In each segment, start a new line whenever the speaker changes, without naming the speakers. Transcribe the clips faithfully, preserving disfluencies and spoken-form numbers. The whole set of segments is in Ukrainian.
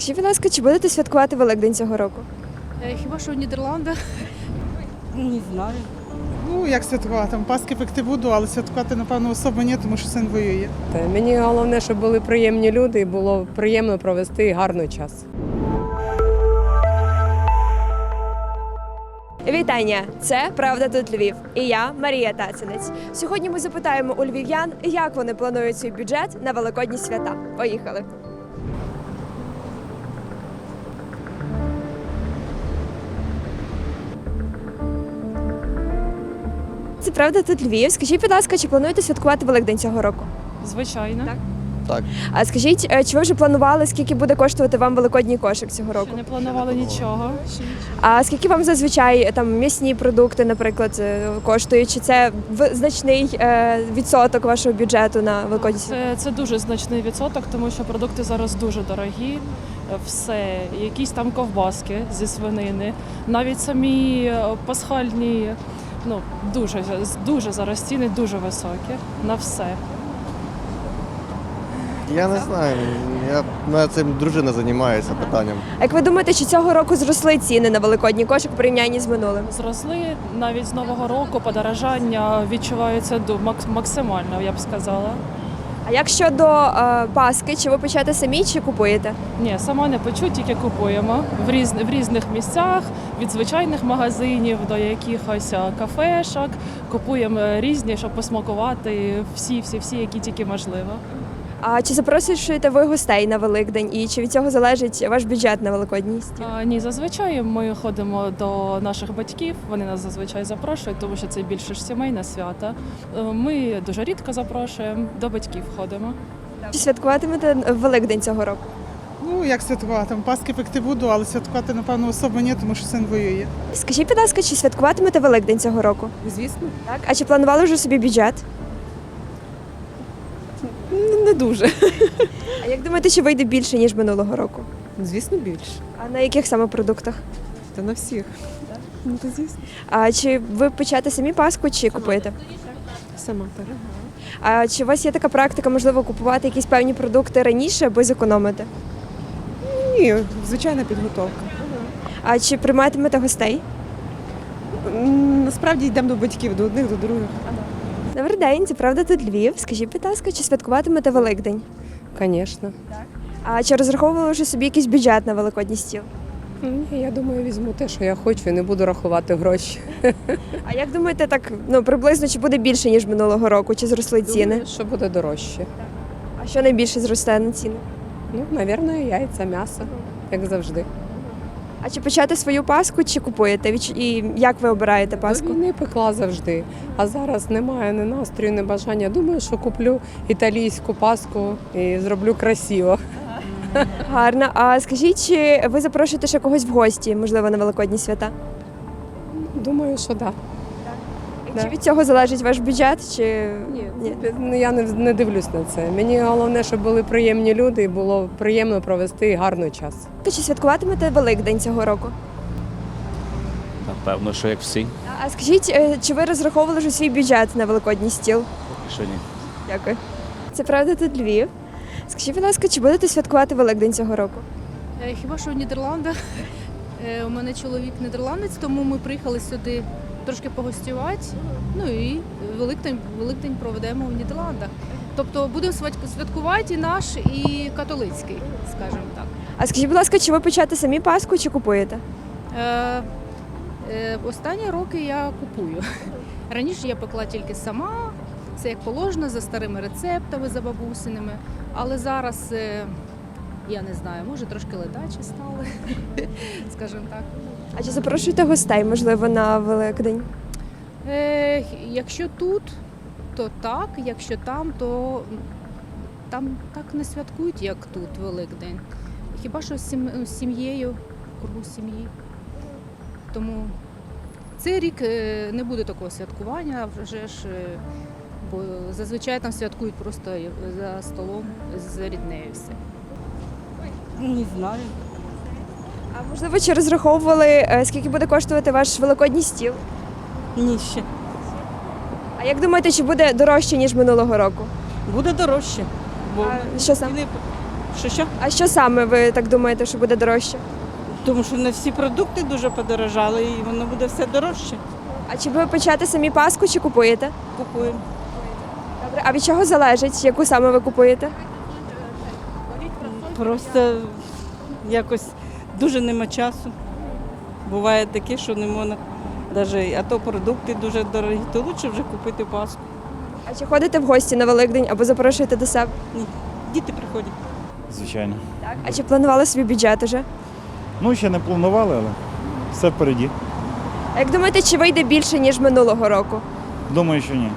Скажіть, будь ласка, чи будете святкувати Великдень цього року?
Е, Хіба що в Нідерландах?
Не знаю.
Ну, як святкувати? Там Паски пекти буду, але святкувати, напевно, особо ні, тому що син воює.
Мені головне, щоб були приємні люди і було приємно провести гарний час.
Вітання! Це Правда тут Львів. І я Марія Тацинець. Сьогодні ми запитаємо у львів'ян, як вони планують свій бюджет на великодні свята. Поїхали! Це Правда тут Львів. Скажіть, будь ласка, чи плануєте святкувати Великдень цього року?
Звичайно.
Так.
Так.
А скажіть, е, чи ви вже планували, скільки буде коштувати вам великодній кошик цього року?
Ще не планували нічого. Ще нічого.
А скільки вам зазвичай е, там м'ясні продукти, наприклад, е, коштують? Чи це в- значний е, відсоток вашого бюджету на великодні свята?
Це, це дуже значний відсоток, тому що продукти зараз дуже дорогі. Все, якісь там ковбаски зі свинини, навіть самі е, пасхальні, ну дуже дуже зараз ціни дуже високі на все.
Я не знаю. Я ну, цим дружина займається питанням.
А як ви думаєте, чи цього року зросли ціни на великодній кошик в порівнянні з минулим?
Зросли навіть з нового року подорожання відчувається ду- мак- максимально, я б сказала.
А як щодо е, Паски, чи ви печете самі, чи купуєте?
Ні, сама не печу, тільки купуємо в, різ, в різних місцях, від звичайних магазинів до якихось а, кафешок. Купуємо різні, щоб посмакувати всі, всі, всі, які тільки можливо.
А чи запрошуєте ви гостей на Великдень? І чи від цього залежить ваш бюджет на великодній стіл?
А, ні, зазвичай ми ходимо до наших батьків, вони нас зазвичай запрошують, тому що це більше ж сімейне свято. Е, Ми дуже рідко запрошуємо, до батьків ходимо.
Чи святкуватимете Великдень цього року?
Ну, як святкувати? Там Паски пекти буду, але святкувати, напевно, особо ні, тому що син воює.
Скажіть, будь ласка, чи святкуватимете Великдень цього року?
Звісно,
Так. А чи планували вже собі бюджет?
не дуже.
А як думаєте, чи вийде більше, ніж минулого року?
Звісно, більше.
А на яких саме продуктах?
Та на всіх. Ну, то звісно.
А чи ви печете самі Пасху, чи купуєте?
Сама так.
А чи у вас є така практика, можливо, купувати якісь певні продукти раніше, аби зекономити?
Ні, звичайна підготовка.
А чи прийматимете гостей?
Насправді йдемо до батьків, до одних, до других.
Добрий день, це Правда тут Львів. Скажіть, будь ласка, чи святкуватимете Великдень?
Звісно.
А чи розраховували вже собі якийсь бюджет на великодній стіл?
Ні, я думаю, візьму те, що я хочу, і не буду рахувати гроші.
А як думаєте, так ну приблизно чи буде більше, ніж минулого року? Чи зросли ціни?
Думаю, що буде дорожче.
А що найбільше зросте на ціни?
Ну, мабуть, яйця, м'ясо, як завжди.
А чи печете свою Пасху, чи купуєте? Від- І як ви обираєте
До
Пасху?
війни пекла завжди, а зараз немає ні настрою, ні бажання. Думаю, що куплю італійську паску і зроблю красиво.
Гарно. А скажіть, чи ви запрошуєте ще когось в гості, можливо, на великодні свята?
Думаю, що так.
Чи
Да.
від цього залежить ваш бюджет? Чи
Ні, ну, я не, не дивлюсь на це. Мені головне, щоб були приємні люди і було приємно провести гарний час.
чи святкуватимете Великдень цього року?
Напевно, що як всі.
А скажіть, е, чи ви розраховували вже свій бюджет на великодній стіл?
Що ні.
Дякую. Це Правда тут Львів. Скажіть, будь ласка, чи будете святкувати Великдень цього року?
Е, Хіба що в Нідерландах? Е, У мене чоловік нідерландець, тому ми приїхали сюди трошки погостювати. Ну і Великдень, Великдень проведемо в Нідерландах. Тобто будемо свят- святкувати і наш, і католицький, скажімо так.
А скажіть, будь ласка, чи ви печете самі Пасху, чи купуєте?
Е, е, Останні роки я купую. Раніше я пекла тільки сама, це як положено, за старими рецептами, за бабусиними. Але зараз, е, я не знаю, може трошки ледачі стали, скажімо так.
А чи запрошуєте гостей, можливо, на Великдень?
Е, Якщо тут, то так, якщо там, то там так не святкують, як тут Великдень. Хіба що з сім- з сім'єю, в кругу сім'ї. Тому цей рік е, не буде такого святкування, вже ж, е, бо зазвичай там святкують просто за столом з ріднею все.
Не знаю.
А можливо, чи розраховували, е, скільки буде коштувати ваш великодній стіл?
Ні, ще.
А як думаєте, чи буде дорожче, ніж минулого року?
Буде дорожче. Бо
А що саме?
ціни
Що що?
А що саме ви так думаєте, що буде дорожче?
Тому що не всі продукти дуже подорожали і воно буде все дорожче.
А чи ви печете самі паску, чи купуєте?
Купуємо.
Добре, а від чого залежить, яку саме ви купуєте?
Просто якось дуже нема часу. Буває таке, що не можна навіть, а то продукти дуже дорогі, то краще вже купити паску.
А чи ходите в гості на Великдень або запрошуєте до себе?
Ні, діти приходять.
Звичайно.
Так. А чи планували собі бюджет уже?
Ну, ще не планували, але все впереді.
А як думаєте, чи вийде більше, ніж минулого року?
Думаю, що ні.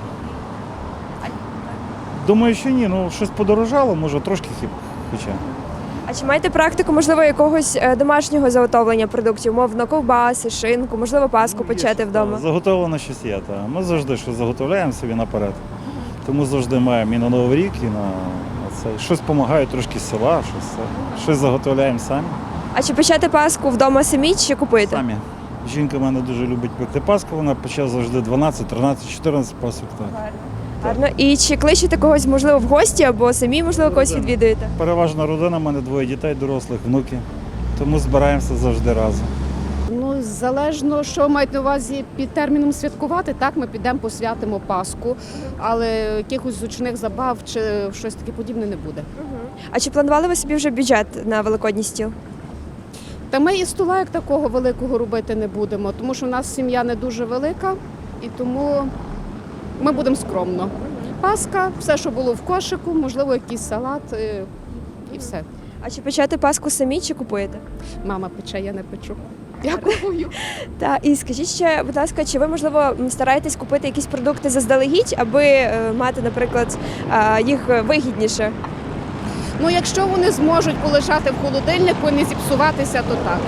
Думаю, що ні. Ну, щось подорожало, може, трошки хіп. Хоча.
А чи маєте практику, можливо, якогось е, домашнього заготовлення продуктів, мовно, ковбаси, шинку, можливо, паску печете вдома?
Заготовлено щось є. Та. Ми завжди щось заготовляємо собі наперед. Тому завжди маємо і на Новий рік, і на, на це. Щось допомагає трошки з села, щось, це. Щось заготовляємо самі.
А чи печете паску вдома самі, чи купуєте?
Самі. Жінка в мене дуже любить пекти паску, вона пече завжди дванадцять, тринадцять, чотирнадцять пасок. Так.
Гарно. І чи кличете когось, можливо, в гості, або самі, можливо, когось
Родина.
відвідуєте?
Переважна родина, в мене двоє дітей, дорослих, внуки. Тому збираємося завжди разом.
Ну, залежно, що мають на увазі під терміном святкувати, так, ми підемо посвятимо Пасху, але якихось зручних забав чи щось таке подібне не буде.
А чи планували ви собі вже бюджет на великодній стіл?
Та ми і стола як такого великого робити не будемо, тому що в нас сім'я не дуже велика, і тому ми будемо скромно. Паска, все, що було в кошику, можливо, якийсь салат е, і все.
А чи печете паску самі, чи купуєте?
Мама пече, я не печу. Дякую.
Та і скажіть ще, будь ласка, чи ви, можливо, м, стараєтесь купити якісь продукти заздалегідь, аби е, мати, наприклад, е, їх вигідніше?
Ну, якщо вони зможуть полежати в холодильнику і не зіпсуватися, то так.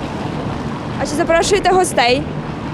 А чи запрошуєте гостей?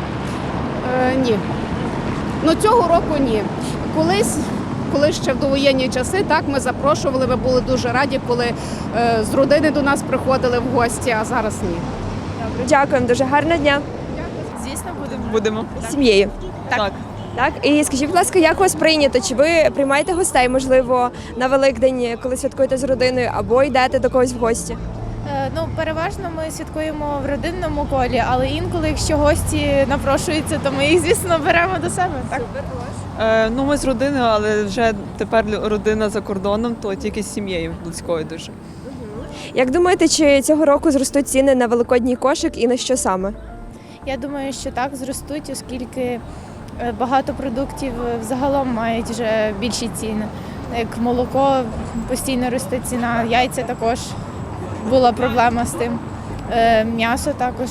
Е, ні. Ну цього року ні. Колись, коли ще в довоєнні часи, так ми запрошували, ми були дуже раді, коли е, з родини до нас приходили в гості, а зараз ні.
Добре, дякуємо, дуже гарного дня.
Звісно, будемо. Будемо.
З сім'єю.
Так.
Так, і скажіть, будь ласка, як у вас прийнято? Чи ви приймаєте гостей, можливо, на Великдень, коли святкуєте з родиною, або йдете до когось в гості?
Е, Ну, переважно ми святкуємо в родинному колі, але інколи, якщо гості напрошуються, то ми їх, звісно, беремо до себе. Так.
Е, ну, ми з родиною, але вже тепер родина за кордоном, то тільки з сім'єю близькою дуже.
Як думаєте, чи цього року зростуть ціни на великодній кошик і на що саме?
Я думаю, що так зростуть, оскільки е, багато продуктів е, взагалом мають вже більші ціни. Як молоко постійно росте ціна, яйця також була проблема з тим. Е, М'ясо також,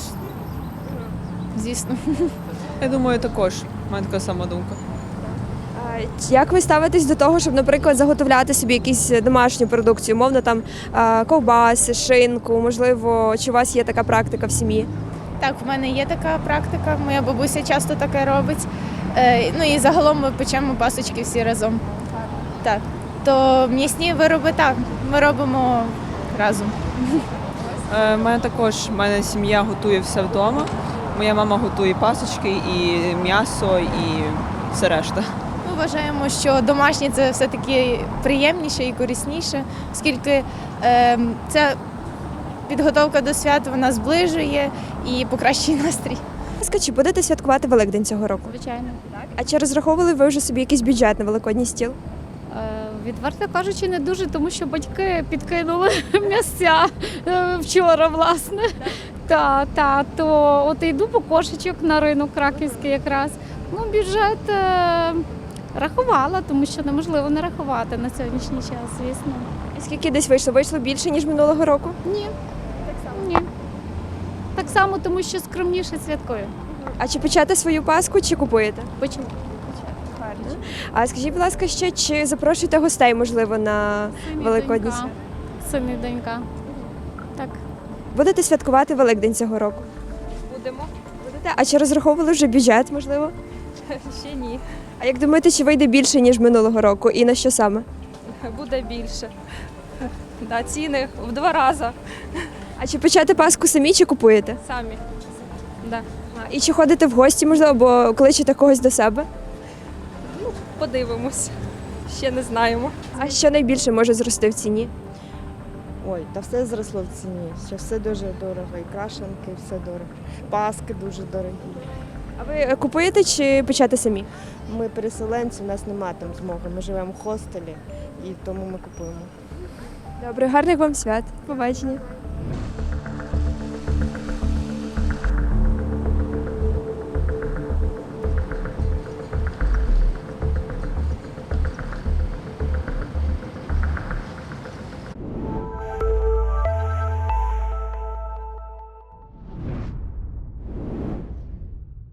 звісно.
Я думаю, також. У мене така сама думка.
А як ви ставитесь до того, щоб, наприклад, заготовляти собі якусь домашню продукцію, мовно там а, ковбаси, шинку, можливо, чи у вас є така практика в сім'ї?
Так, в мене є така практика, моя бабуся часто таке робить. Е, ну і загалом ми печемо пасочки всі разом. Так. То м'ясні вироби так, ми робимо разом.
Е, в мене також, в мене сім'я готує все вдома. Моя мама готує пасочки, і м'ясо, і все решта.
Ми вважаємо, що домашнє це все-таки приємніше і корисніше, оскільки е, це підготовка до свят, вона зближує і покращує настрій.
Будь ласка, чи будете святкувати Великдень цього року?
Звичайно.
А чи розраховували ви вже собі якийсь бюджет на великодній стіл?
Е, Відверто кажучи, не дуже, тому що батьки підкинули місця е, вчора, власне. Та, та, то от йду по кошечок на ринок краківський якраз. Ну, бюджет е, рахувала, тому що неможливо не рахувати на сьогоднішній час, звісно.
І скільки десь вийшло? Вийшло більше, ніж минулого року?
Ні. Так само. Ні. Так само, тому що скромніше святкую.
А чи печете свою паску, чи купуєте?
Почему?
А скажіть, будь ласка, ще чи запрошуєте гостей, можливо, на Великодні свята?
Сини і донька. Так.
Будете святкувати Великдень цього року?
Будемо.
Будете? А чи розраховували вже бюджет, можливо?
Ще ні.
А як думаєте, чи вийде більше, ніж минулого року? І на що саме?
Буде більше. Да, ціни в два рази
А чи печете паску самі, чи купуєте?
самі. Да.
А, І чи ходите в гості, можливо, або кличете когось до себе?
Подивимось. Ще не знаємо.
А що найбільше може зрости в ціні?
Ой, та все зросло в ціні. Що все дуже дорого. І крашенки, все дорого. Паски дуже дорогі.
А ви купуєте чи печете самі?
Ми переселенці, у нас немає там змоги. Ми живемо в хостелі і тому ми купуємо.
Добре, гарних вам свят. Побачення.